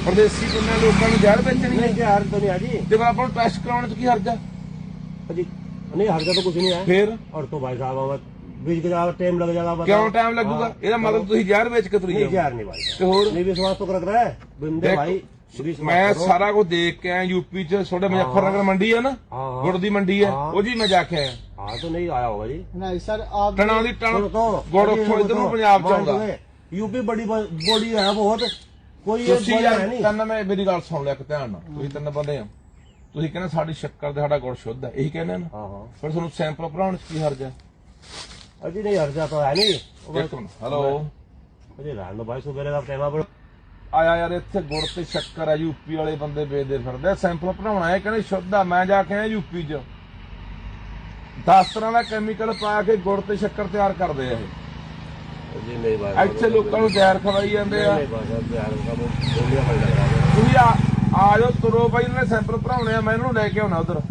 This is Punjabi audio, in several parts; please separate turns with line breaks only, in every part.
परदेसी पिंडां लोकां नूं ਜ਼ਹਿਰ ਵੇਚਣੀ है।
ਜ਼ਹਿਰ तो नहीं है जी।
ਤੇ ਆਪਾਂ ਨੂੰ ਟੈਸਟ ਕਰਾਉਣ ਚ ਕੀ ਹਰਜ ਆ
जी नहीं हर्जा तो कुछ नहीं है
फिर
और तो भाई साहब बीच के ज्यादा टाइम लग जाएगा
क्यों टाइम लगूगा ਇਹਦਾ ਮਤਲਬ ਤੁਸੀਂ ਜ਼ਹਿਰ ਵੇਚ ਕੇ ਤੁਰੀ
नहीं
ਜਾਓ
जहर नहीं भाई
ਤੇ ਹੋਰ
नहीं विश्वास तो कर रहा है बंदे भाई
मैं सारा कुछ देख के आया यूपी च छोटे मुजफ्फरनगर मंडी है ना गुड़ दी मंडी है वो जी मैं जाके आया
हाँ तो नहीं आया होगा जी
नहीं सर आप
टना दी टन गुड़ उठो इधर ਨੂੰ ਪੰਜਾਬ ਚ ਆਉਂਦਾ
यूपी बड़ी बॉडी है बहुत कोई ये
ਤੁਸੀਂ
बड़ा
ਯਾਰ
है नहीं
ਤਨ ਮੈਂ ਮੇਰੀ ਗੱਲ ਸੁਣ ਲਿਆ ਇੱਕ ਧਿਆਨ ਨਾਲ ਤੁਸੀਂ ਤਿੰਨ ਬੰਦੇ ਆ ਤੁਸੀਂ ਕਹਿੰਦੇ ਸਾਡੀ ਸ਼ੱਕਰ ਤੇ ਸਾਡਾ ਗੁੜ ਸ਼ੁੱਧ ਹੈ ਇਹੀ ਕਹਿੰਦੇ ਨਾ
हाँ हाँ
ਫਿਰ ਤੁਹਾਨੂੰ ਸੈਂਪਲ ਭਰਾਉਣ ਚ ਕੀ ਹਰਜ ਹੈ
अजी नहीं हर्जा तो है नहीं
ਇੱਕ ਮਿੰਟ ਹੈਲੋ
अजी रहने दो भाई सुबह का टाइम पर
ਆਇਆ ਯਾਰ ਇੱਥੇ ਗੁੜ ਤੇ ਸ਼ੱਕਰ ਆ ਯੂਪੀ ਵਾਲੇ ਬੰਦੇ ਵੇਚਦੇ ਫਿਰਦੇ ਸੈਂਪਲ ਭਰਾਉਣਾ ਹੈ ਕਹਿੰਦੇ ਸ਼ੁੱਧ ਆ ਮੈਂ ਜਾ ਕੇ ਆਇਆ ਯੂਪੀ ਚ 10 ਤਰ੍ਹਾਂ ਦਾ ਕੈਮੀਕਲ ਪਾ ਕੇ ਗੁੜ ਤੇ ਸ਼ੱਕਰ ਤਿਆਰ ਕਰਦੇ ਆ ਇਹ
जी नहीं भाई
ਇੱਥੇ ਲੋਕਾਂ ਨੂੰ ਜ਼ਹਿਰ ਖਵਾਈ ਜਾਂਦੇ ਆ
नहीं भाई जहर का बोलिया पड़ जाएगा
ਤੁਸੀਂ ਆ ਜਾਓ ਤੁਰੋ ਬਾਈ ਇਹਨਾਂ ਨੇ ਸੈਂਪਲ ਭਰਾਉਣੇ ਆ ਮੈਂ ਇਹਨਾਂ ਨੂੰ ਲੈ ਕੇ ਆਉਣਾ ਉਧਰ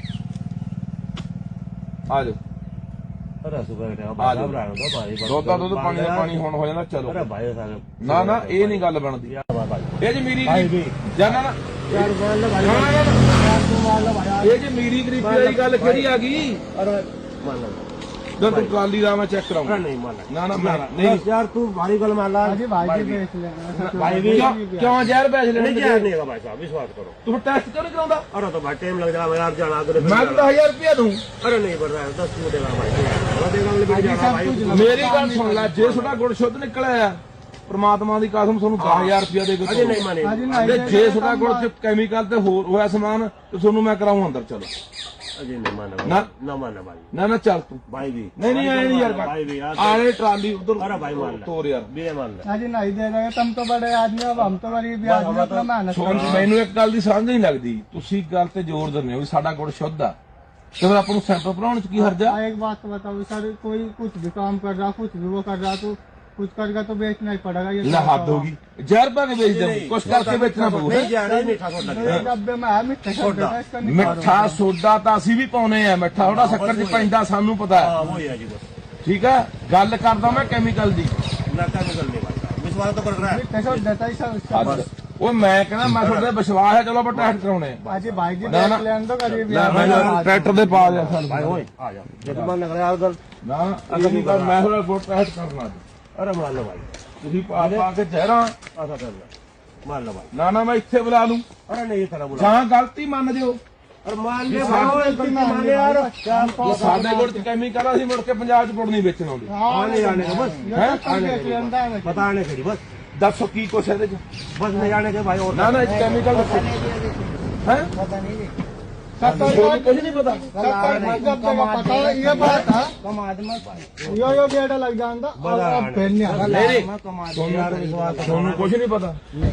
ਆ ਜਾਓ
अरे सुबह का
आ जाओ।
भाई रहने दो भाई
ਦੁੱਧ ਦਾ ਦੁੱਧ ਪਾਣੀ ਦਾ ਪਾਣੀ ਹੁਣ ਹੋ ਜਾਂਦਾ ਚਲੋ
अरे भाई साहब
ਨਾ ਨਾ ਇਹ ਨਹੀਂ ਗੱਲ ਬਣਦੀ
भाई
ਇਹ ਜੀ ਮੇਰੀ
भाई भी
ਜਾਨਾ ਨਾ
यार मान लो भाई
ਨਾ, ਨਾ, ਨਾ,
यार तू मान लो भाई
ਇਹ ਜੀ ਮੇਰੀ ਗਰੀਬੀ ਵਾਲੀ ਗੱਲ ਕਿਹੜੀ ਆ ਗਈ
अरे मान लो
ਜਦੋਂ ਤੂੰ ਕਾਲੀ ਦਾ ਮੈਂ ਚੈੱਕ
अरे
ਕਰਾਉਂਗਾ
नहीं मान
ਨਾ ਨਾ ਮੈਂ ਨਹੀਂ
बस यार तू भारी गल मान ला
अजी भाई जी बेच लेना
भाई भी
ਕਿਉਂ ਜ਼ਹਿਰ ਵੇਚ
नहीं
ਲੈਣੇ
जहर नहीं है भाई साहब विश्वास करो
ਤੂੰ टैस्ट क्यों नहीं कराਉਂਦਾ
अरे तो भाई टाइम लग जाएगा यार जाना अगर
मैं तो 10,000 रुपया दूं
अरे नहीं बढ़ रहा है 10 मिनट देगा भाई थोड़ा देगा अगले भी जाना भाई
ਮੇਰੀ ਗੱਲ ਸੁਣ ਲੈ ਜੇ ਤੁਹਾਡਾ ਗੁੜ ਸ਼ੁੱਧ ਨਿਕਲਿਆ ਪ੍ਰਮਾਤਮਾ ਦੀ ਕਸਮ ਤੁਹਾਨੂੰ 10,000 ਰੁਪਇਆ ਦੇ ਕੇ
अरे नहीं माने
अजी
ਤੇ
नहीं
ਜੇ ਤੁਹਾਡਾ ਗੁੜ ਚ ਕੈਮੀਕਲ ਤੇ ਹੋਰ ਹੋਇਆ ਸਮਾਨ ਤੇ ਤੁਹਾਨੂੰ ਮੈਂ ਕਰਾਉਂ ਅੰਦਰ ਚਲੋ
अजी नहीं माने
ना।
ना माने भाई
ਨਾ ਨਾ ਚੱਲ ਤੂੰ
भाई भी
ਨਹੀਂ ਨਹੀਂ ਆਏ ਨਹੀਂ ਯਾਰ
भाई भी यार
ਆਣੇ ਟਰਾਲੀ ਉਧਰ
अरे भाई मान ले
ਤੋਰ ਯਾਰ
भी मान ले
अजी नहीं दे रहे तुम तो बड़े आदमी हो अब हम तो गरीब आदमी अपना मेहनत
ਸੁਣ ਮੈਨੂੰ ਇੱਕ ਗੱਲ ਦੀ ਸਮਝ ਨਹੀਂ ਲੱਗਦੀ ਤੁਸੀਂ ਗੱਲ ਤੇ ਜ਼ੋਰ ਦਿੰਦੇ ਹੋ ਵੀ ਸਾਡਾ ਗੁੜ ਸ਼ੁੱਧ ਆ ਤੇ ਫਿਰ ਆਪਾਂ ਨੂੰ ਸੈਂਪਲ ਭਰਾਉਣ ਚ ਕੀ ਹਰਜਾ
एक बात तो बताओ सर कोई कुछ भी काम कर रहा कुछ भी वो कर रहा तो कुछ करके तो बेचना ही पड़ेगा ये
ਲੈ ਹੱਦ ਹੋ ਗਈ ਜ਼ਹਿਰ ਪਾ ਕੇ ਵੇਚ ਦੇ ਕੁਛ ਕਰਕੇ ਵੇਚਣਾ ਪਊ
नहीं जा रहा है मीठा सोडा
दो डब्बे में है मिठा सोडा इसका नहीं
ਮਿੱਠਾ ਸੋਡਾ ਤਾਂ ਅਸੀਂ ਵੀ ਪਾਉਨੇ ਆ ਮਿੱਠਾ ਥੋੜਾ ਸ਼ੱਕਰ ਚ ਪੈਂਦਾ ਸਾਨੂੰ ਪਤਾ ਹੈ
हाँ वही है जी बस
ਠੀਕ ਹੈ ਗੱਲ ਕਰਦਾ ਮੈਂ ਕੈਮੀਕਲ ਦੀ
लड़का को कर ले भाई साहब विश्वास तो कर रहा है
मिठा सोडा देता ही सर उसका
ਅੱਜ ਉਹ ਮੈਂ ਕਹਿੰਦਾ ਮੈਂ ਤੁਹਾਡੇ ਵਿਸ਼ਵਾਸ ਹੈ ਚਲੋ ਆਪਾਂ ਟੈਸਟ ਕਰਾਉਣੇ ਆ
अजी भाई जी
ना,
देख
ना।
लेने तो गरीब
ਲੈ ਮੈਂ ਟਰੈਕਟਰ ਦੇ ਪਾ ਦਿਆ
भाई
ਸਾਨੂੰ
ओए आ जा जब मन लग रहा है उधर
ਨਾ ਅਗਲੀ ਵਾਰ ਮੈਂ ਥੋੜਾ ਗੁੜ ਟੈਸਟ ਕਰਨਾ ਅੱਜ।
अरे मान लो भाई
ਤੁਸੀਂ ਪਾ ਕੇ ਜ਼ਹਿਰਾਂ
ऐसा कर ले मान लो भाई
ਨਾ ਨਾ ਮੈਂ ਇੱਥੇ ਬੁਲਾ ਲੂੰ
अरे नहीं ये तरह बोला
ਜਾਂ गलती ਮੰਨ ਜਿਓ
अरे मान ले
ये
भाई
सारे
गलती
मान
मान
ले
ले यार
क्या
ਜੇ ਸਾਡੇ ਗੁੜ ਚ ਕੈਮੀਕਲ ਅਸੀਂ ਮੁੜ ਕੇ ਪੰਜਾਬ ਚ ਗੁੜ ਨਹੀਂ ਵੇਚਣ ਆਉਂਦੇ
आने आने का बस
ये तो तुम देख लेंदा है
बताने के लिए बस
ਦੱਸੋ ਕੀ ਕੁਛ ਇਹਦੇ ਚ
बस नहीं आने के भाई और
ਨਾ ਨਾ ਇਹ ਕੈਮੀਕਲ ਦੱਸੋ ਹੈ
पता नहीं
ਤੁਹਾਨੂੰ ਕੁਝ ਨਹੀਂ ਪਤਾ
पता ये बात है यो बेटा लग जाता अब फिर नहीं आ
ਨਹੀਂ ਤੁਹਾਨੂੰ ਕੁਝ ਨਹੀਂ ਪਤਾ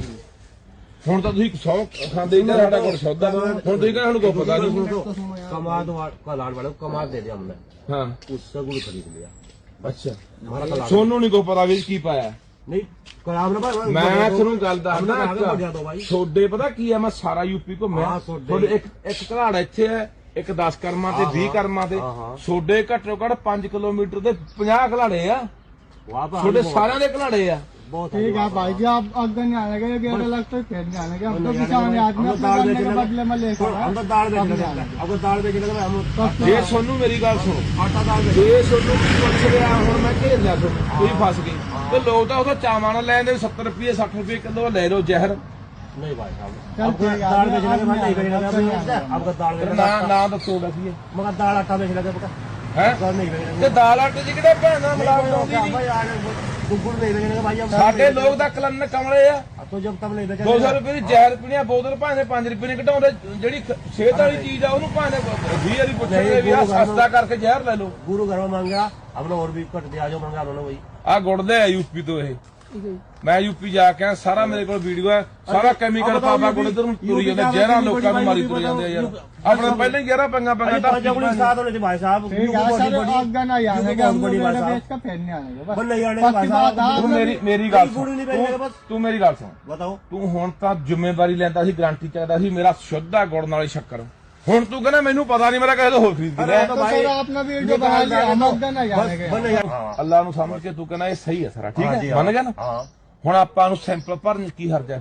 ਹੁਣ ਤਾਂ ਤੁਸੀਂ 100 ਖਾਂਦੇ ਹੀ ਸਾਡਾ ਗੁੜ ਸ਼ੁੱਧ ਆ ਹੁਣ ਤੁਸੀਂ ਕਹਿੰਦੇ ਸਾਨੂੰ ਕੋਈ ਪਤਾ ਨਹੀਂ
कमाद का लाड वाले को कमाद दे दिया हमने
ਹਾਂ
उससे गुड़ खरीद लिया
ਅੱਛਾ
हमारा कलाड़
ਸੋਨੂੰ ਨਹੀਂ ਕੋਈ ਪਤਾ ਵੀ ਕੀ ਪਾਇਆ
नहीं कलाड़ ना भाई
ਮੈਂ ਤੁਹਾਨੂੰ ਗੱਲ ਦੱਸਦਾ
बढ़ जाता भाई
ਛੋਡੇ ਪਤਾ ਕੀ ਆ ਮੈਂ ਸਾਰਾ ਯੂਪੀ ਘੁੰਮਿਆ
ਹਾਂ, ਸੋਡੇ।
ਤੁਹਾਡੇ ਇੱਕ ਘਲਾੜ ਇੱਥੇ ਹੈ ਇੱਕ 10 ਕਰਮਾਂ ਤੇ 20 ਕਰਮਾਂ ਤੇ
ਹਾਂ, ਹਾਂ।
ਛੋਡੇ ਘੱਟੋ ਘੱਟ 5 ਕਿਲੋਮੀਟਰ ਦੇ 50 ਘਲਾੜੇ ਆ
वहाँ पर
ਛੋਡੇ ਸਾਰਿਆਂ ਦੇ ਘਲਾੜੇ ਆ
बहुत
ठीक है भाई जी आप अगर नहीं आने के गेट अलग तो फिर नहीं आने के हम तो किसान आदमी अपने करने के बदले में लेकर
हम तो दाल बेच लगे अब दाल बेच लगे हम
ਜੇ ਸੋਨੂੰ ਮੇਰੀ ਗੱਲ ਸੁਣੋ
आटा दाल बेच
ਜੇ ਸੋਨੂੰ ਪੁੱਛ ਰਿਹਾ ਹੁਣ ਮੈਂ ਘੇਰ ਲਿਆ ਤੁਹਾਨੂੰ ਤੁਸੀਂ ਫਸ ਗਏ ਤੇ ਲੋਕ ਤਾਂ ਉਹਦਾ ਚਾਵਾਂ ਨਾਲ ਲੈਂਦੇ 70 ਰੁਪਏ 60 ਰੁਪਏ ਕਿਲੋ ਲੈ ਲਓ ਜ਼ਹਿਰ
नहीं भाई साहब
चल
अब
ठीक है,
दाल बेच लगे
आदमी
भाई नहीं
आदमी
बेचेगा अब दाल बेच
ਨਾ
लगे
ਨਾ ਦੱਸੋ ਵੈਸੇ
मगर दाल आटा बेच लगे पका
ਹੈ
दाल नहीं बेचेगा
ਤੇ ਦਾਲ ਆਟੇ ਚ ਕਿਹੜੇ ਭੈਣਾ ਮਿਲਾਵਟ ਆਉਂਦੀ ਨਹੀਂ
भाई यार गुड़ नहीं बेचेंगे भाई हम
ਸਾਡੇ ਲੋਕ ਤਾਂ ਕਲਨ ਕਮਲੇ ਆ
तो जब तक नहीं
200
बेचेंगे
ਰੁਪਏ ਦੀ ਜ਼ਹਿਰ ਪੀਣੀ ਆ ਬੋਤਲ ਭਾਵੇਂ 5 ਰੁਪਏ ਨੇ ਘਟਾਉਂਦੇ ਜਿਹੜੀ ਸਿਹਤ ਵਾਲੀ ਚੀਜ਼ ਆ ਉਹਨੂੰ ਭਾਵੇਂ 20 ਵਾਲੀ ਪੁੱਛਣਗੇ ਵੀ ਆ ਸਸਤਾ ਕਰਕੇ ਜ਼ਹਿਰ ਲੈ ਲਓ
गुरु घर में मांगा हमने और भी कट दिया जो मांगा उन्होंने वही
ਆ ਗੁੜਦੇ ਆ ਯੂਪੀ ਤੋਂ ਇਹ ਮੈਂ ਯੂਪੀ ਜਾ ਕੇ ਆਇਆ, ਸਾਰਾ ਮੇਰੇ ਕੋਲ ਵੀਡੀਓ ਹੈ ਸਾਰਾ ਕੈਮੀਕਲ ਪਾਪਾ ਕੋਲ ਇਧਰ ਨੂੰ ਤੁਰੀ ਜਾਂਦੇ ਜ਼ਹਿਰਾਂ ਲੋਕਾਂ ਨੂੰ ਮਾਰੀ ਤੁਰ ਜਾਂਦੇ ਆ ਯਾਰ ਆਪਣੇ ਪਹਿਲਾਂ ਹੀ ਜ਼ਹਿਰਾਂ ਪੰਗਾ ਪੰਗਾ ਤਾਂ
साथ होने थे भाई साहब
ठीक है सर अगर नहीं आने के हम
बड़ी
लोग
बात
बेच का फिर नहीं आने के बस
बस नहीं आने के भाई
पक्की बात
साहब
ਤੂੰ ਮੇਰੀ ਗੱਲ
ਗੁੜ ਨਹੀਂ
ਸੁਣ
ਵੇਚੇਗਾ ਬਸ।
ਤੂੰ ਮੇਰੀ ਗੱਲ ਸੁਣ
बताओ
ਤੂੰ ਹੁਣ ਤਾਂ ਜ਼ਿੰਮੇਵਾਰੀ ਲੈਂਦਾ ਸੀ ਗਾਰੰਟੀ ਚਾਹਦਾ ਸੀ ਮੇਰਾ ਸ਼ੁੱਧ ਆ ਗੁੜ ਨਾਲੇ ਸ਼ੱਕਰ ਹੁਣ ਤੂੰ ਕਹਿੰਦਾ ਮੈਨੂੰ ਪਤਾ ਨਹੀਂ ਮੇਰਾ ਕਿਸੇ ਤੋਂ ਹੋਰ ਖਰੀਦ ਕੇ ਲੈ
तो सर आपने वीडियो बना लिया हम अगर नहीं आने के
बस नहीं हाँ
ਅੱਲਾ ਨੂੰ ਸਮਝ ਕੇ ਤੂੰ ਕਹਿੰਦਾ ਇਹ ਸਹੀ ਹੈ ਸਾਰਾ ਠੀਕ
हाँ
ਹੈ
जी,
ਮੰਨ ਗਿਆ ਨਾ
हाँ
ਹੁਣ ਆਪਾਂ ਨੂੰ ਸੈਂਪਲ ਭਰਨ ਚ ਕੀ ਹਰਜ ਹੈ ਫਿਰ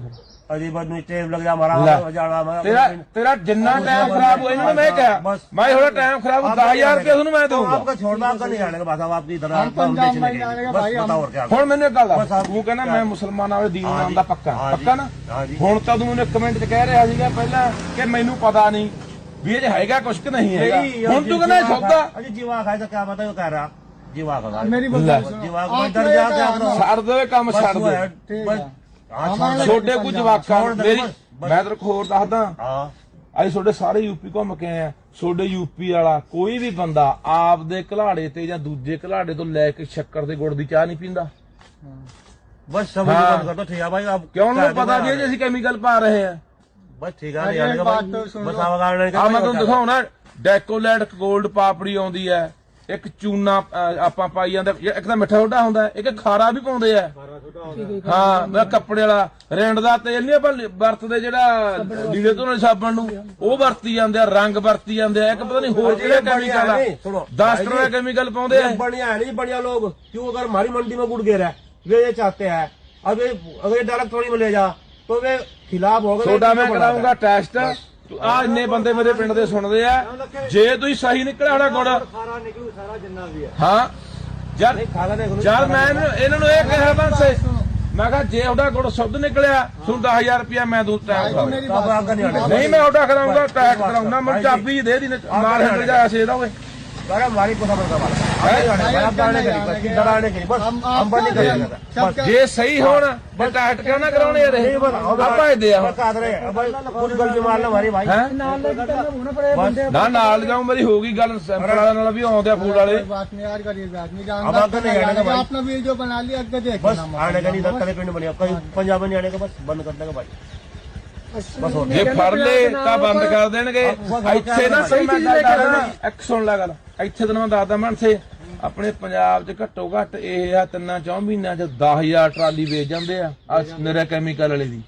अजी बस टाइम लग जा हमारा
ਲੈ।
जाना हमारा
ਤੇਰਾ ਜਿੰਨਾ ਟਾਈਮ ਖਰਾਬ ਹੋਇਆ ਇਹਨਾਂ ਨੂੰ ਮੈਂ ਕਿਹਾ ਮੈਂ ਥੋੜਾ ਟਾਈਮ ਖਰਾਬ 10000 ਰੁਪਏ ਤੁਹਾਨੂੰ ਮੈਂ ਦਊਂਗਾ
आपका छोड़ना आपका नहीं आने का बस अब आपकी इधर
हम पंजाब में जाने का
बस
भाई, हम-
बताओ और क्या
ਹੁਣ ਮੈਨੂੰ ਇੱਕ ਗੱਲ ਦੱਸ ਤੂੰ ਕਹਿੰਦਾ ਮੈਂ ਮੁਸਲਮਾਨਾਂ ਵਾਲੇ ਦੀਨ ਨਾਮ ਦਾ ਪੱਕਾ ਪੱਕਾ ਨਾ
ਹਾਂਜੀ।
ਹੁਣ ਤਾਂ ਤੂੰ ਮੈਨੂੰ ਕਮੈਂਟ 'ਚ ਕਹਿ ਰਿਹਾ ਸੀਗਾ ਪਹਿਲਾਂ ਕਿ ਮੈਨੂੰ ਪਤਾ ਨਹੀਂ ਵੀ ਇਹ 'ਚ ਹੈਗਾ ਕੁਛ ਕਿ ਨਹੀਂ ਹੈਗਾ ਹੁਣ ਤੂੰ ਕਹਿੰਦਾ ਸੌਦਾ
अजी जीवा खाए तो क्या बताओ कह रहा जीवा का
मेरी
ले।
बात सुनो।
जीवा
आप
डर
तो
जा
एक
क्या
है,
करो
ਛੱਡ ਦੇ ਕੰਮ ਛੱਡ ਦੇ
ठीक
बस
है।
हाँ
हमारे-
ਛੋਡੇ ਕੁਝ ਜਵਾਕਾਂ
ਛੋੜ ਦੇ,
ਮੇਰੀ
ਬਸ।
ਮੈਂ ਤੈਨੂੰ ਹੋਰ ਦੱਸਦਾ
हाँ
ਅੱਜ ਤੁਹਾਡੇ ਸਾਰੇ ਯੂਪੀ ਘੁੰਮ ਕੇ ਆਏ ਆ ਤੁਹਾਡੇ ਯੂਪੀ ਵਾਲਾ ਕੋਈ ਵੀ ਬੰਦਾ ਆਪਦੇ ਘਲਾੜੇ ਤੇ ਜਾਂ ਦੂਜੇ ਘਲਾੜੇ ਤੋਂ ਲੈ ਕੇ ਸ਼ੱਕਰ ਤੇ ਗੁੜ ਦੀ ਚਾਹ ਨਹੀਂ ਪੀਂਦਾ
बस सब
हाँ।
बंद कर दो ठीक है भाई अब
ਕਿਉਂ ਉਹਨੂੰ ਪਤਾ ਵੀ ਇਹ 'ਚ ਅਸੀਂ ਕੈਮੀਕਲ ਪਾ ਰਹੇ ਆ
बस ठीक है
अरे
नहीं आने का
बात
भाई
तो सुन
बस
लो।
अब आने
ਆ ਮੈਂ ਤੁਹਾਨੂੰ ਦਿਖਾਉਣਾ ਡੈਕੋਲੈਟ 골ਡ ਪਾਪੜੀ ਆਉਂਦੀ ਹੈ ਇੱਕ ਚੂਨਾ ਆਪਾਂ ਪਾਈ ਜਾਂਦੇ ਇੱਕ ਤਾਂ ਮਿੱਠਾ ਸੋਡਾ ਹੁੰਦਾ ਇੱਕ ਖਾਰਾ ਵੀ ਪਾਉਂਦੇ ਆ ਹਾਂ ਮੈਂ ਕੱਪੜੇ ਵਾਲਾ ਰਿੰਡ ਦਾ ਤੇਲ ਨਹੀਂ ਆਪਾਂ ਵਰਤਦੇ ਜਿਹੜਾ ਲੀੜੇ ਧੋਣ ਵਾਲੇ ਸਾਬਣ ਨੂੰ ਉਹ ਵਰਤੀ ਜਾਂਦੇ ਆ ਰੰਗ ਵਰਤੀ ਜਾਂਦੇ ਆ ਇੱਕ ਪਤਾ ਨਹੀਂ ਹੋਰ ਕਿਹੜਾ ਕੈਮੀਕਲ ਆ
सुनो
10 ਤਰ੍ਹਾਂ ਦਾ ਕੈਮੀਕਲ ਪਾਉਂਦੇ ਆ
ये बढ़िया है नहीं बढ़िया लोग क्यों अगर हमारी मंडी में गुड़ गिर है वे ये चाहते हैं अब ये अगर ये डायरेक्ट थोड़ी में ले जा तो वे खिलाफ हो गए
ਤੁਹਾਡਾ ਮੈਂ ਕਰਾਉਂਗਾ ਟੈਸਟ ਆ ਇੰਨੇ ਬੰਦੇ ਮੇਰੇ ਪਿੰਡ ਦੇ ਸੁਣਦੇ ਆ ਜੇ ਤੁਸੀਂ ਸਹੀ ਨਿਕਲਿਆ ਹੋਣਾ ਗੁੜ
सारा निकलू सारा जिन्ना भी है
ਹਾਂ ਯਾਰ
खाना देखो
ਯਾਰ ਮੈਂ ਇਹਨਾਂ ਨੂੰ ਇਹ ਕਿਹਾ ਬੰਸੇ ਮੈਂ ਕਿਹਾ ਜੇ ਉਹਦਾ ਗੁੜ ਸ਼ੁੱਧ ਨਿਕਲਿਆ ਤੁਹਾਨੂੰ 10000 ਰੁਪਇਆ ਮੈਂ ਦੂੰ ਟੈਕ
भाई, मेरी
अब
बात
आपका नहीं आने
ਨਹੀਂ ਮੈਂ ਉਹਦਾ ਕਰਾਉਂਗਾ ਟੈਕ ਕਰਾਉਂਗਾ ਮੈਂ ਚਾਬੀ ਦੇ ਦੀ ਮਾਰ ਹੱਟ ਜਾ ਸੇ ਦਾ ਓਏ
अरे हमारी को समझ डराने के लिए बस हम बंद नहीं करेंगे बस
ਜੇ ਸਹੀ ਹੋਣ ਤੇ ਟੈਕ ਕਿਉਂ ਨਾ ਕਰਾਉਣੇ ਯਾਰ ਇਹ? ਆਪਾਂ ਇਹ ਦੇ ਆ
बस आदरे अब पूरी गलती मार लो हमारी भाई
ਹੈ
बस
ਨਾ ਨਾਲ ਜਾऊं ਮੇਰੀ ਹੋ ਗਈ ਗੱਲ ਸੈਂਪਲ ਵਾਲਿਆਂ ਨਾਲ ਵੀ ਆਉਂਦੇ ਆ ਫੂਡ ਵਾਲੇ
कोई बात नहीं यार गरीब आदमी
अब आपका नहीं आने का भाई
आपने वीडियो बना लिया अगर देख
बस आने का नहीं दस तले पिंड बनिया कहीं पंजाब में नहीं आने का बस बंद कर देगा भाई बस हो
ਜੇ ਫੜ ਲੇ ਤਾਂ ਬੰਦ ਕਰ ਦੇਣਗੇ ਇੱਥੇ ਨਾ ਸਹੀ ਚੀਜ਼ ਲੈ ਕੇ ਆਣਾ ਇੱਕ ਸੁਣ ਲੈ ਗੱਲ ਇੱਥੇ ਤੈਨੂੰ ਮੈਂ ਦੱਸਦਾ ਮਨਸੇ ਆਪਣੇ ਪੰਜਾਬ 'ਚ ਘੱਟੋ ਘੱਟ ਇਹ ਆ 3-4 ਮਹੀਨਿਆਂ 'ਚ 10000 ਟਰਾਲੀ ਵੇਚ ਜਾਂਦੇ ਆ ਨਰੇ ਕੈਮੀਕਲ ਵਾਲੇ ਦੀ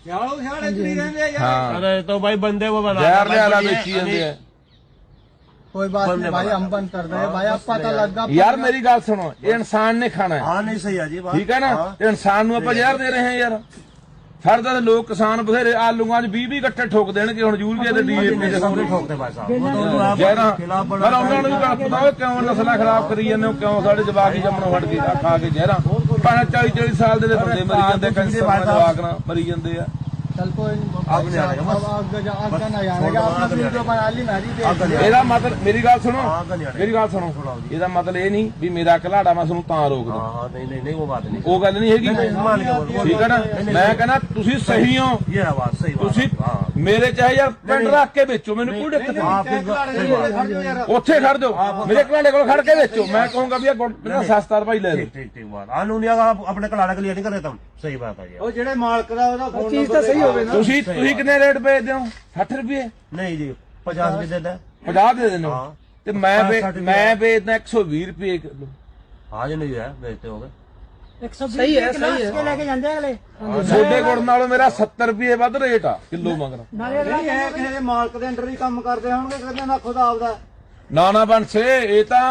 ਹਾਂ
अरे तो भाई बंदे वो बना
ਜ਼ਹਿਰ ਦੇ ਵਾਲਾ ਵੇਚੀ ਜਾਂਦੇ ਆ
कोई बात नहीं भाई हम बंद कर रहे हैं भाई अब पता लगा
ਯਾਰ ਮੇਰੀ ਗੱਲ ਸੁਣੋ ਇਹ ਇਨਸਾਨ ਨੇ ਖਾਣਾ ਹੈ
हाँ नहीं सही है जी बात
ਠੀਕ ਹੈ ਨਾ ਤੇ ਇਨਸਾਨ ਨੂੰ ਆਪਾਂ ਜ਼ਹਿਰ ਦੇ ਰਹੇ ਹਾਂ ਯਾਰ ਫਰਦਾ ਤੇ ਲੋਕ ਕਿਸਾਨ ਬਥੇਰੇ ਆਲੂਆਂ 'ਚ 20 ਗੱਟੇ ਠੋਕ ਦੇਣਗੇ ਹੁਣ ਯੂਰੀਆ ਤੇ ਡੀਏਪੀ ਦੇ
सब नहीं ठोकते भाई साहब वो तो आप
ਜ਼ਹਿਰਾਂ
खिलाफ
ਪਰ ਉਹਨਾਂ ਨੂੰ ਵੀ ਗੱਲ ਪਤਾ ਹੋਵੇ ਕਿਉਂ ਨਸਲਾਂ ਖਰਾਬ ਕਰੀ ਜਾਂਦੇ ਹੋ ਕਿਉਂ ਸਾਡੇ ਜਵਾਕ ਹੀ ਜੰਮਣੋਂ ਹਟ ਗਏ ਆ ਖਾ ਕੇ ਜ਼ਹਿਰਾਂ ਭਾਵੇਂ 40 ਸਾਲ ਦੇ ਬੰਦੇ ਮਰੀ ਜਾਂਦੇ ਕੈਂਸਰ ਨਾਲ ਜਵਾਕ ਨਾਲ ਮਰੀ ਜਾਂਦੇ ਆ
चल कोई
अब नहीं आएगा, बस।
आगे नहीं आएगा आपने वीडियो बना ली मैं भी देख
अब
ਇਹਦਾ ਮਤਲਬ ਮੇਰੀ ਗੱਲ ਸੁਣੋ
हाँ नहीं आएगा
ਮੇਰੀ ਗੱਲ ਸੁਣੋ ਇਹਦਾ ਮਤਲਬ ਇਹ ਨਹੀਂ ਵੀ ਮੇਰਾ ਘਲਾੜਾ ਮੈਂ ਤੁਹਾਨੂੰ ਤਾਂ ਰੋਕ ਦੂੰ
हाँ हाँ नहीं नहीं नहीं वो बात नहीं
ਉਹ ਗੱਲ ਨਹੀਂ ਹੈਗੀ
मान के बोल
ਠੀਕ ਹੈ ਨਾ ਮੈਂ ਕਹਿੰਦਾ ਤੁਸੀਂ ਸਹੀ ਹੋ
ये आवाज सही बात
ਤੁਸੀਂ
हाँ
ਮੇਰੇ ਚਾਹੇ ਯਾਰ ਪਿੰਡ ਰੱਖ ਕੇ ਵੇਚੋ ਮੈਨੂੰ ਕੋਈ ਦਿੱਕਤ ਨਹੀਂ
आप सही बात
ਉੱਥੇ ਖੜ ਜਾਓ ਮੇਰੇ ਘਲਾੜੇ ਕੋਲ ਖੜ ਕੇ ਵੇਚੋ ਮੈਂ ਕਹੂੰਗਾ ਵੀ ਇਹ ਗੁੜ ਨਾ ਸਸਤਾ ਭਾਈ ਲੈ ਲਓ
ठीक ठीक ठीक बात कानूनिया का आप अपने कलाड़ा के लिए नहीं कर रहे तुम सही बात है ये
ਉਹ ਜਿਹੜੇ ਮਾਲਕ ਦਾ ਉਹਦਾ ਫੋਨ ਚੀਜ਼ ਤਾਂ ਸਹੀ ਹੋਵੇ
ਤੁਸੀਂ ਕਿੰਨੇ ਰੇਟ ਵੇਚਦੇ ਹੋ 60 ਰੁਪਏ
नहीं जी 50 भी देता है
50 ਦੇ ਦਿੰਦੇ ਹੋ
ਹਾਂ।
ਤੇ ਮੈਂ ਵੇਚਦਾ 120 ਰੁਪਏ ਕਿਲੋ
हाँ जी नहीं है बेचते हो गए
ਸਹੀ ਹੈ ਸਹੀ ਹੈ ਲੈ ਕੇ ਜਾਂਦੇ ਅਗਲੇ
ਛੋਟੇ ਗੁੜ ਨਾਲੋਂ ਮੇਰਾ 70 ਰੁਪਏ ਵੱਧ ਰੇਟ ਆ ਕਿਲੋ ਮੰਗਣਾ
ਨਹੀਂ ਹੈ ਕਿਸੇ ਦੇ ਮਾਲਕ ਦੇ ਅੰਡਰ ਹੀ ਕੰਮ ਕਰਦੇ ਹੋਣਗੇ ਕਹਿੰਦੇ ਨਾ ਖੁਦ ਆਪਦਾ
ਨਾ ਬੰਸੇ ਇਹ ਤਾਂ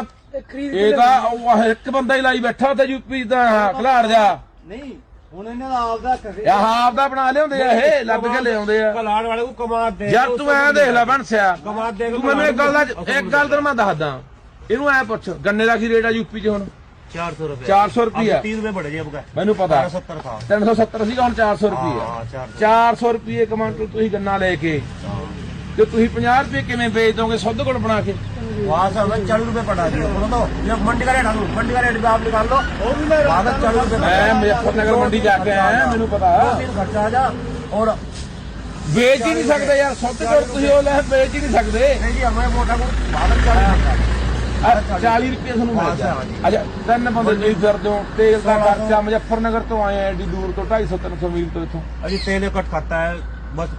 ਉਹ ਇੱਕ ਬੰਦਾ ਹੀ ਲਾਈ ਬੈਠਾ ਤੇ ਯੂਪੀ ਦਾ ਖਲਾੜ ਜਾ
ਨਹੀਂ ਹੁਣ ਇਹਨਾਂ ਦਾ ਆਪਦਾ ਕਰੇ
ਇਹ ਆਪਦਾ ਬਣਾ ਲਿਆਉਂਦੇ ਆ ਇਹ ਲੱਭ ਕੇ ਲਿਆਉਂਦੇ ਆ
कलाड़ वाले को कमा दे
ਯਾਰ ਤੂੰ ਐ ਦੇਖ ਲੈ ਬੰਸਿਆ
कमा दे
ਤੂੰ ਮੈਨੂੰ ਇੱਕ ਗੱਲ ਤੈਨੂੰ ਮੈਂ ਦੱਸਦਾ ਇਹਨੂੰ ਐ ਪੁੱਛ ਗੰਨੇ ਦਾ ਕੀ ਰੇਟ ਆ ਯੂਪੀ 'ਚ ਹੁਣ
400 रुपए
400 रुपया
3 रुपए बढ़े जी अब का
ਮੈਨੂੰ ਪਤਾ
70 था
370 ਸੀਗਾ ਹੁਣ 400 ਰੁਪਏ
हाँ 400
400 ਰੁਪਏ ਕਮਾਂਟਰ ਤੁਸੀਂ ਗੰਨਾ ਲੈ ਕੇ ਤੇ ਤੁਸੀਂ 50 ਰੁਪਏ ਕਿਵੇਂ ਵੇਚ ਦੋਗੇ ਸੁੱਧ ਗੁੜ ਬਣਾ ਕੇ
वहाँ से हमें 40 रुपए पटा दिए बोलो तो ये मंडी का रेट हम मंडी का रेट भी आप निकाल लो वहाँ से 40 रुपए
ਮੈਂ ਮੁਜ਼ੱਫਰਨਗਰ ਮੰਡੀ ਜਾ ਕੇ ਆਇਆ ਮੈਨੂੰ ਪਤਾ
खर्चा आ जा और
ਵੇਚ ਹੀ ਨਹੀਂ ਸਕਦੇ ਯਾਰ ਸੁੱਧ ਗੁੜ ਤੁਸੀਂ ਉਹ ਲੈ ਵੇਚ ਹੀ ਨਹੀਂ ਸਕਦੇ
नहीं जी हमें मोटा को वहाँ से 40 रुपए
40 ਰੁਪਏ ਤੁਹਾਨੂੰ ਮਿਲ ਗਿਆ ਅੱਛਾ ਤਿੰਨ ਬੰਦੇ ਤੁਸੀਂ ਫਿਰਦੇ ਹੋ ਤੇਲ ਦਾ ਖਰਚਾ ਮੁਜ਼ੱਫਰਨਗਰ ਤੋਂ ਆਏ ਆ ਐਡੀ ਦੂਰ ਤੋਂ 250-300 ਮੀਲ ਤੋਂ ਇੱਥੋਂ
अजी तेल कट खाता है बस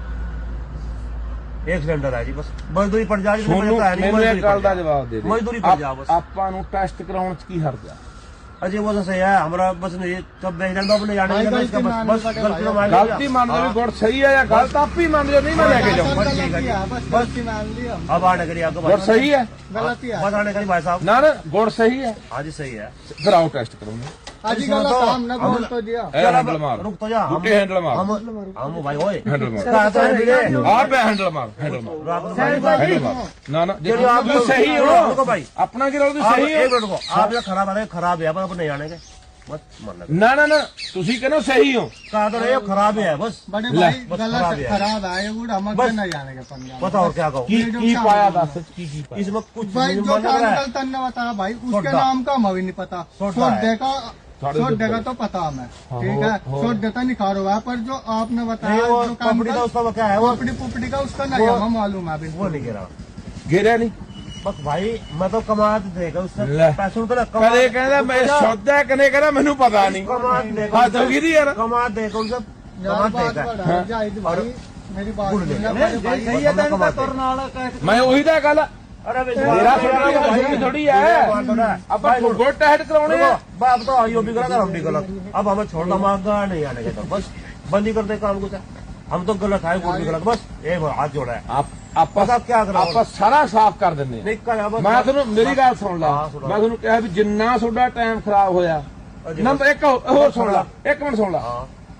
एक सिलेंडर है जी बस मजदूरी पड़ जा रही
ਤੁਹਾਨੂੰ ਮੈਨੂੰ ਇਹ ਗੱਲ ਦਾ ਜਵਾਬ ਦੇ ਦੇ
मजदूरी पड़ जा बस
ਆਪਾਂ ਨੂੰ ਟੈਸਟ ਕਰਾਉਣ ਚ ਕੀ ਹਰਜ ਆ
अजय वो तो सही है हमारा बस नहीं कब बेच रहे अपने जाने
भाई,
का
गलती
बस
मान
बस
लो,
गलती तो मान
ਗਲਤੀ ਮੰਨ ਲਓ ਵੀ ਗੁੜ ਸਹੀ ਹੈ ਜਾਂ ਗਲਤ ਆਪ ਹੀ ਮੰਨ ਲਓ ਨਹੀਂ ਮੈਂ ਲੈ ਕੇ ਜਾਊਂ
बस ठीक है जी।
बस गलती मान ली हम
अब आने करिए आपको
ਗੁੜ ਸਹੀ ਹੈ
गलती है
बस आने करिए भाई साहब
ਨਾ ਨਾ ਗੁੜ ਸਹੀ ਹੈ
हाँ जी सही है
ਫਿਰ ਆਓ ਟੈਸਟ ਕਰਾਉਂਗੇ
आजकल काम न बोल तो दिया
ਇਹ ਹੈਂਡਲ ਮਾਰ
रुक तो जा
ਬੁੱਟੇ ਹੈਂਡਲ ਮਾਰ
हम भाई ओए
ਹੈਂਡਲ ਮਾਰ
कहा तो है वीरे
ਆ ਪਿਆ ਹੈਂਡਲ ਮਾਰ ਹੈਂਡਲ ਮਾਰ ਹੈਂਡਲ ਮਾਰ ਨਾ ਨਾ
चलो आप
ਤੁਸੀਂ ਸਹੀ ਹੋ
रुको भाई
ਆਪਣਾ ਕੀ ਰੋਲ ਤੁਸੀਂ
आप
ਸਹੀ
एक
ਹੋ
मिनट रुको आप ये खराब है खराब है पर नहीं जाने के बस मान लगे
ਨਾ ਨਾ ਨਾ ਤੁਸੀਂ ਕਹਿੰਦੇ ਹੋ ਸਹੀ ਹੋ
कहा तो रहे हो खराब है बस
बड़े
ले,
भाई
बस
गलत
खराब है।
खराब है वो हम
बस।
न जाने के पंजाब
बताओ क्या कहो
ਕੀ ਕੀ ਪਾਇਆ ਦੱਸ ਕੀ ਪਾਇਆ
इसमें कुछ
भाई
नहीं
जो
मन लग रहा है
केमिकल तन्ने बताया भाई उसके
सोडा।
नाम का हमें भी नहीं पता
सोडा है।
सोडे का
साढ़े
सोडे का
दो
तो पता हमें
हाँ,
ठीक
हो,
है
हो।
सोडे का निखार हुआ है पर जो आपने
नहीं
बताया
वो
जो
पपड़ी का उसका क्या है वो
पोपड़ी पुपड़ी का उसका नहीं
वो-
हमें मालूम है
वो
बिल्कुल
नहीं कह रहा
ਘੇਰਿਆ ਨਹੀਂ
बस भाई मैं तो कमा देगा उससे
ले।
पैसों तो
ਕਦੇ ਕਹਿੰਦਾ ਮੈਂ ਸੌਦਾ ਕਨੇ ਕਹਿੰਦਾ ਮੈਨੂੰ ਪਤਾ ਨਹੀਂ
कमा देगा
ਹੱਦ ਹੋ ਗਈ ਦੀ ਯਾਰ
कमा देगा उनसे
यार
कमा
बात
देगा
बड़ा है, जाहिद भाई मेरी बात
गुड़
सुनना
लेगा।
बड़े भाई
सही है तेन का तुरना
ਮੈਂ ਉਹੀ ਤਾਂ ਗੱਲ
अरे
ਮੇਰਾ ਥੋੜਾ ਥੋੜੀ ਹੈ ਆਪਾਂ ਗੁੱਡ ਟੈਟ ਕਰਾਉਣੇ ਆ
बाप तो यो भी गलत हम भी गलत अब हमें छोड़ना मांगा नहीं आने के तो बस बंद ही कर दे काम कुछ हम तो गलत है वो भी गलत बस ये हाथ जोड़ा है
ਆਪਾਂ
पता क्या करो
ਆਪਾਂ ਸਾਰਾ ਸਾਫ਼ ਕਰ ਦਿੰਦੇ ਆ
नहीं कर बस
ਮੈਂ ਤੁਹਾਨੂੰ ਮੇਰੀ ਗੱਲ ਸੁਣ ਲਾ
ਹਾਂ, ਸੁਣ ਲਾ।
ਮੈਂ ਤੁਹਾਨੂੰ ਕਿਹਾ ਵੀ ਜਿੰਨਾ ਤੁਹਾਡਾ ਟਾਈਮ ਖਰਾਬ ਹੋਇਆ ਨੰਬਰ ਇੱਕ ਹੋਰ ਸੁਣ ਲਾ ਇੱਕ ਮਿੰਟ ਸੁਣ ਲਾ
हाँ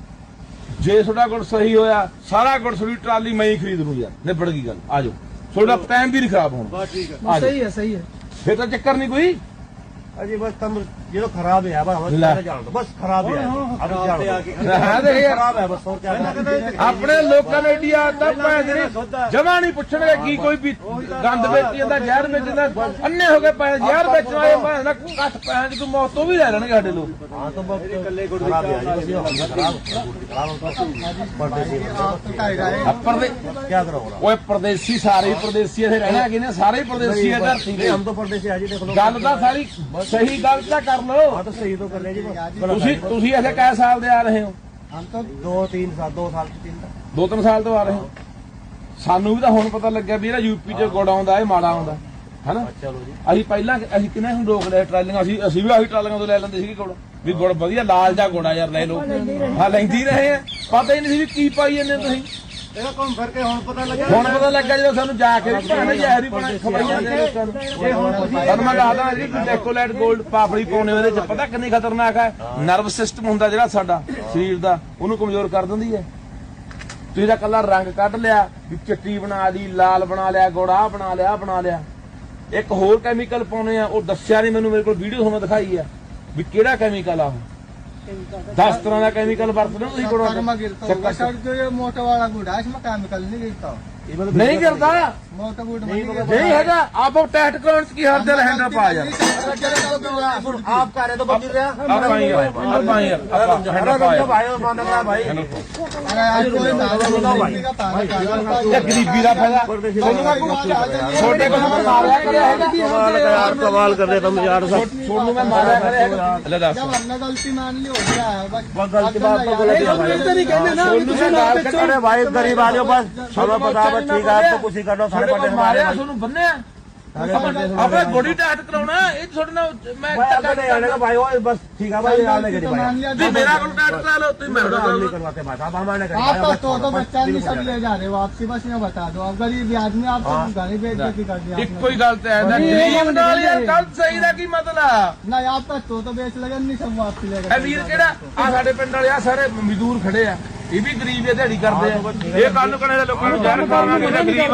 ਜੇ ਤੁਹਾਡਾ ਗੁੜ ਸਹੀ ਹੋਇਆ ਸਾਰਾ ਗੁੜ ਤੁਹਾਡੀ ਟਰਾਲੀ ਮੈਂ ਹੀ ਖਰੀਦ ਲੂੰ ਯਾਰ ਨਿਬੜ ਗਈ ਗੱਲ ਆ ਜਾਓ ਤੁਹਾਡਾ ਟਾਈਮ ਵੀ ਨਹੀਂ ਖਰਾਬ ਹੋਣਾ
सही है सही है
ਫਿਰ ਤਾਂ ਚੱਕਰ ਨਹੀਂ ਕੋਈ
अजी बस तुम ये तो खराब है अब हमें
ला।
जान दो बस खराब है अब जान दो
ਹਾਂ ਦੇਖ ਯਾਰ
खराब है बस और क्या करना
ਆਪਣੇ ਲੋਕਾਂ ਨੇ ਇੰਡੀਆ ਦਾ ਪੈਸੇ ਜਮਾ ਨਹੀਂ ਪੁੱਛਣਗੇ ਕੀ ਕੋਈ ਵੀ ਗੰਦ ਵੇਚੀ ਜਾਂਦਾ ਜ਼ਹਿਰ ਵੇਚੀ ਜਾਂਦਾ ਅੰਨੇ ਹੋ ਗਏ ਪੈਸੇ ਜ਼ਹਿਰ ਵੇਚਣ ਵਾਲੇ ਭਾਵੇਂ ਨਾ ਘੱਟ ਪੈਸੇ ਦੀ ਕੋਈ ਮੌਤ ਤੋਂ ਵੀ ਲੈ ਲੈਣਗੇ ਸਾਡੇ ਲੋਕ
हाँ तो बस खराब है बस ये खराब परदेसी
आप तो कह रहे हैं
ਅੱਪਰ ਦੇ
क्या करोगे
ਓਏ ਪਰਦੇਸੀ ਸਾਰੇ ਹੀ ਪਰਦੇਸੀ ਇੱਥੇ ਰਹਿਣਾ ਕਿ ਨੇ ਸਾਰੇ ਹੀ ਪਰਦੇਸੀ ਆ ਧਰਤੀ ਦੇ
हम तो परदेसी आज ही देख लो
ਗੱਲ ਤਾਂ ਸਾਰੀ ਸਹੀ ਗੱਲ ਤਾਂ ਕਰ ਲਓ
हाँ तो सही तो कर ले जी बस
ਤੁਸੀਂ ਇੱਥੇ ਕੈ ਸਾਲ ਦੇ ਆ ਰਹੇ ਹੋ
हम तो
2 साल 3
2-3 ਸਾਲ ਤੋਂ ਆ ਰਹੇ ਹੋ ਸਾਨੂੰ ਵੀ ਤਾਂ ਹੁਣ ਪਤਾ ਲੱਗਿਆ ਵੀ ਇਹਦਾ ਯੂਪੀ ਚ ਗੁੜ ਆਉਂਦਾ ਇਹ ਮਾੜਾ ਆਉਂਦਾ ਹਨਾ
चलो जी
ਅਸੀਂ ਪਹਿਲਾਂ ਅਸੀਂ ਕਿੰਨੇ ਹੁਣ ਰੋਕ ਲਿਆ ਟਰਾਲੀਆਂ ਅਸੀਂ ਵੀ ਆਹੀ ਟਰਾਲੀਆਂ ਤੋਂ ਲੈ ਲੈਂਦੇ ਸੀਗੇ ਗੁੜ ਵੀ ਗੁੜ ਵਧੀਆ ਲਾਲ ਜਾ ਗੁੜ ਆ ਯਾਰ ਲੈ ਲਓ ਹਾਂ ਲੈਂਦੀ ਰਹੇ ਆ ਪਤਾ ਹੀ ਨਹੀਂ ਸੀ ਵੀ ਕੀ ਪਾਈ ਜਾਂਦੇ ਤੁਸੀਂ
ਇਹਦਾ ਕੰਮ ਕਰਕੇ ਹੁਣ ਪਤਾ ਲੱਗਾ
ਹੁਣ ਪਤਾ ਲੱਗਾ ਜਦੋਂ ਸਾਨੂੰ ਜਾ ਕੇ ਵੀ ਭਾਵੇਂ ਜ਼ਹਿਰ ਹੀ ਬਣਾ ਖਵਾਈ ਜਾਂਦੇ ਨੇ ਲੋਕਾਂ ਨੂੰ ਤੁਹਾਨੂੰ ਮੈਂ ਦੱਸਦਾ ਜੀ ਡੈਕੋਲੇਟ 골ਡ ਪਾਪੜੀ ਪਾਉਣੇ ਉਹਦੇ ਚ ਪਤਾ ਕਿੰਨੀ ਖਤਰਨਾਕ ਹੈ ਨਰਵ ਸਿਸਟਮ ਹੁੰਦਾ ਜਿਹੜਾ ਸਾਡਾ ਸਰੀਰ ਦਾ ਉਹਨੂੰ ਕਮਜ਼ੋਰ ਕਰ ਦਿੰਦੀ ਹੈ ਤੁਸੀਂ ਤਾਂ ਕੱਲਾ ਰੰਗ ਕੱਢ ਲਿਆ ਵੀ ਚਿੱਟੀ ਬਣਾ ਲਈ ਲਾਲ ਬਣਾ ਲਿਆ ਗੁੜ ਆਹ ਬਣਾ ਲਿਆ ਆਹ ਬਣਾ ਲਿਆ ਇੱਕ ਹੋਰ ਕੈਮੀਕਲ ਪਾਉਣੇ ਆ ਉਹ ਦੱਸਿਆ ਨਹੀਂ ਮੈਨੂੰ ਮੇਰੇ ਕੋਲ ਵੀਡੀਓ ਤੁਹਾਨੂੰ ਦਿਖਾਈ ਆ ਵੀ ਕਿਹੜਾ ਕੈਮੀਕਲ ਆ ਉਹ 10 ਤਰ੍ਹਾਂ ਦਾ ਕੈਮੀਕਲ ਵਰਤਦੇ ਹੋ ਤੁਸੀਂ ਗੁੜਾਂ
शक्कर में गिरता होगा सर जो ये मोटा वाला गुड़ है इसमें केमिकल नहीं गिरता
ਨਹੀਂ ਕਰਦਾ
मोटा गुड़ में नहीं गिरता
ਨਹੀਂ ਹੈਗਾ ਆਪ ਉਹ ਟੈਟ ਕਰਾਉਣ ਚ ਕੀ ਹਰ ਦਿਲ ਹੈਂਡਲ ਪਾ ਯਾਰ
आप कह रहे तो बंद रहा
ਆਪਾਂ ਯਾਰ ਹੈਂਡਲ ਪਾ ਯਾਰ
भाई मान रहा भाई
अरे यार कोई दारू का पानी का
ਇਹ ਗਰੀਬੀ ਦਾ ਫਾਇਦਾ ਛੋਟੇ ਕੋਲ ਮੈਂ ਮਾਰਿਆ ਕਰਿਆ ਹੈਗਾ
यार कमाल कर रहे तुम यार
ਛੋਟੂ ਮੈਂ ਮਾਰਿਆ ਕਰਿਆ ਹੈਗਾ ਲੈ ਦੱਸ
जब हमने गलती मान ली हो गया है बस
बहुत गलती बात तो गलत है भाई
ਛੋਟੂ ਨੇ ਗਾਲ ਕੱਢੀ
अरे भाई गरीब आदमी बस हमें पता है ठीक है आप तो कुछ ही कर लो सारे
ਸਾਡੇ
पटे
ਕੋਲ ਮਾਰਿਆ ਤੁਹਾਨੂੰ ਬੰਨਿਆ ਆਪਣੇ ਬੋਡੀ ਟੈਟ ਕਰਾਉਣਾ ਇਹ ਤੁਹਾਡੇ ਨਾਲ ਮੈਂ
भाई अब नहीं आने का भाई वो बस ठीक है भाई आने के
मान
भाई
लिया
ਤੁਸੀਂ ਮੇਰਾ ਕੋਲ ਟੈਟ ਕਰਾ ਲਓ ਤੁਸੀਂ ਮੇਰਾ
हम
ਕੋਲ
नहीं करवाते भाई अब हमारे
आप तो बच्चा नहीं सब ले जा रहे हो आपसी बस ये बता दो आप गरीब आदमी आप तो गाड़ी बेइज्जती कर दिया
ਇੱਕੋ ਹੀ ਗੱਲ ਤੇ ਐਦਾ ਗਰੀਬ ਨਾਲ ਯਾਰ ਗੱਲ ਸਹੀ ਦਾ ਕੀ ਮਤਲਬ
नहीं आप तो बेच लगे नहीं सब वापसी ले
ਇਹ ਵੀਰ ਕਿਹੜਾ ਆ ਸਾਡੇ ਪਿੰਡ ਵਾਲੇ ਆ ਸਾਰੇ ਮਜ਼ਦੂਰ ਖੜੇ ਆ ਇਹ ਵੀ ਗਰੀਬ ਆ ਦਿਹਾੜੀ ਕਰਦੇ ਆ ਇਹ ਕੱਲ ਨੂੰ ਕਹਣੇ ਦੇ ਲੋਕਾਂ ਨੂੰ ਜ਼ਹਿਰ ਖਾਣਾ ਕਿਹੜਾ ਗਰੀਬ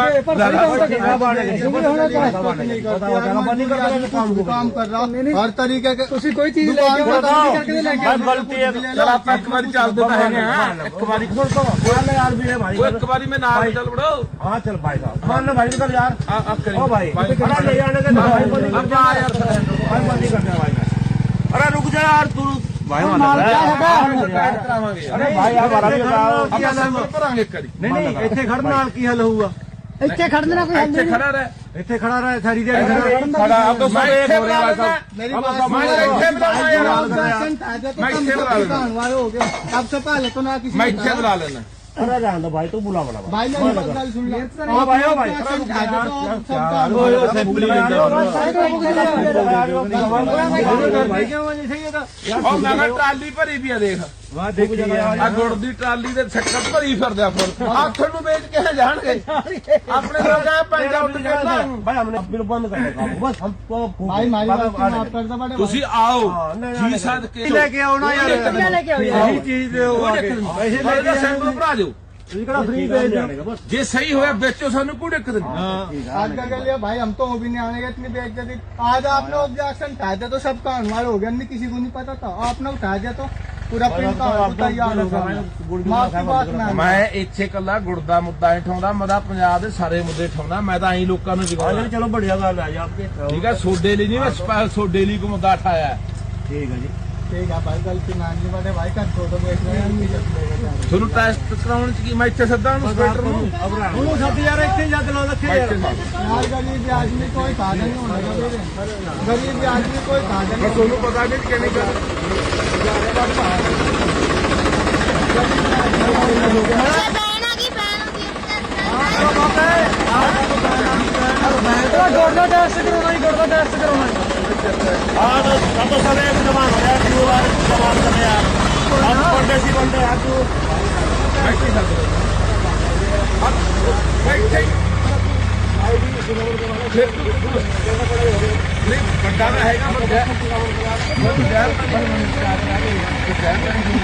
काम कर रहा हर तरीके के
कोई चीज
गलती है
ਚਲ ਆਪਾਂ ਇੱਕ ਵਾਰੀ ਚੱਲਦੇ ਤਾਂ ਹੈਗੇ ਆ ਇੱਕ ਵਾਰੀ
यार भी है भाई
ਉਹ ਇੱਕ ਵਾਰੀ ਮੈਂ ਨਾਲ ਚੱਲ ਬੜੋ
हाँ चल भाई साहब मान लो भाई निकल यार
ਆ ਕਰੀ
ओ भाई अरे ले जाने के भाई बंद नहीं
ਆਪਾਂ ਆ ਯਾਰ
भाई बंद नहीं करते भाई अरे रुक जा यार तू भाई मान
ਟੈਟ ਕਰਾਵਾਂਗੇ ਯਾਰ
अरे भाई हमारा भी बताओ
ਆਪਾਂ ਸੈਂਪਲ ਭਰਾਂਗੇ ਇੱਕ ਵਾਰੀ
नहीं ਇੱਥੇ ਖੜਨ ਨਾਲ ਕੀ ਹੱਲ ਹੋਊਗਾ
ਇੱਥੇ ਖੜਨ ਦਾ ਕੋਈ ਹੱਲ
ਇੱਥੇ
ਨਹੀਂ
ਖੜਾ ਰਹਿ
ਇੱਥੇ ਖੜਾ ਰਹੇ ਸਾਰੀ ਦਿਹਾੜੀ
ਖੜਾ ਆਪ ਤੋਂ ਮੈਂ ਇੱਥੇ ਬੁਲਾ ਲੈਣਾ
मेरी
अब
बात
सब
मैं ਇੱਥੇ ਬੁਲਾਉਣਾ ਯਾਰ
सबसे पहले तो ना किसी
ਮੈਂ ਇੱਥੇ ਬੁਲਾ ਲੈਣਾ
अरे रहने दो भाई तू बुला बना
भाई ने गल सुन लिया
ओ भाई ओ भाई भाई क्या वजह से ये था
ਉਹ ਮੈਂ ਕਿਹਾ ਟਰਾਲੀ ਭਰੀ ਵੀ ਆ ਦੇਖ
वाह देखो
ਆ ਗੁੜ ਦੀ ਟਰਾਲੀ ਦੇ ਛੱਕਰ ਭਰੀ ਫਿਰਦਾ ਫਿਰ ਆ ਤੁਹਾਨੂੰ ਵੇਚ ਕੇ यहाँ जाएंगे अपने लोग आए पंजा उठ के ना
भाई हमने बिल बंद कर दिया काम बस हमको
भाई मारी बात को माफ कर दो बड़े
ਤੁਸੀਂ ਆਓ
हाँ, नहीं,
ਜੀ
नहीं,
ਸਾਧ ਕੇ
लेके आओ ना यार
लेके आओ
यही चीज दे
ਪੈਸੇ ਲੈ ਕੇ ਸੈਂਪਲ ਭਰਾ ਦਿਓ
फ्री भेज दो बस
ਜੇ ਸਹੀ ਹੋਇਆ ਵੇਚੋ ਸਾਨੂੰ ਕੋਈ ਦਿੱਕਤ ਨਹੀਂ
आज का लिए भाई हम तो वो भी नहीं आने इतनी बेइज्जती आज आपने ऑब्जेक्शन उठाया था तो सबका हमारा हो गया नहीं किसी को नहीं पता था आपने उठाया दिया तो पूरा प्रिंट का तैयार हो गया माफ की बात ना
ਮੈਂ ਇੱਥੇ ਕੱਲਾ ਗੁੜ ਦਾ ਮੁੱਦਾ ਨਹੀਂ ਠਾਉਂਦਾ ਮੈਂ ਤਾਂ ਪੰਜਾਬ ਦੇ ਸਾਰੇ ਮੁੱਦੇ ਠਾਉਂਦਾ ਮੈਂ ਤਾਂ ਐਂ ਲੋਕਾਂ ਨੂੰ ਜਗਾਉਂਦਾ
चलो बढ़िया गल है जी आपके
ਠੀਕ ਹੈ ਸੋਡੇ ਲਈ ਨਹੀਂ ਮੈਂ ਸਪੈਸ਼ਲ ਸੋਡੇ ਲਈ ਕੋ ਮੁੱਦਾ ਠਾਇਆ
ठीक है जी
ठीक है भाई गलती मान ली बड़े भाई का छोड़ो बेच रहे हैं नहीं सकते
ਤੁਹਾਨੂੰ ਟੈਸਟ ਕਰਾਉਣ ਚ ਕੀ ਮੈਂ ਇੱਥੇ ਸੱਦਾ ਨੂੰ ਸਪੈਕਟਰ ਨੂੰ
अब रहा सब यार एक जग लो रखे यार
यार गरीब आदमी कोई साधन नहीं होना चाहिए गरीब आदमी कोई साधन
ਮੈਂ ਤੁਹਾਨੂੰ ਪਤਾ ਨਹੀਂ ਕਿਵੇਂ ਕਰ
गोडा टेस्ट करवाना ही गोडा टेस्ट करवाना
हाँ तो सब एक जमा हो यार क्यों यार जमा कर यार हम बंदे सी बंदे यार तू
ਬੈਠੇ ਸਕਦੇ ਬੈਠੇ ਨਹੀਂ ਵੱਡਾ ਤਾਂ ਹੈਗਾ ਵੱਡਾ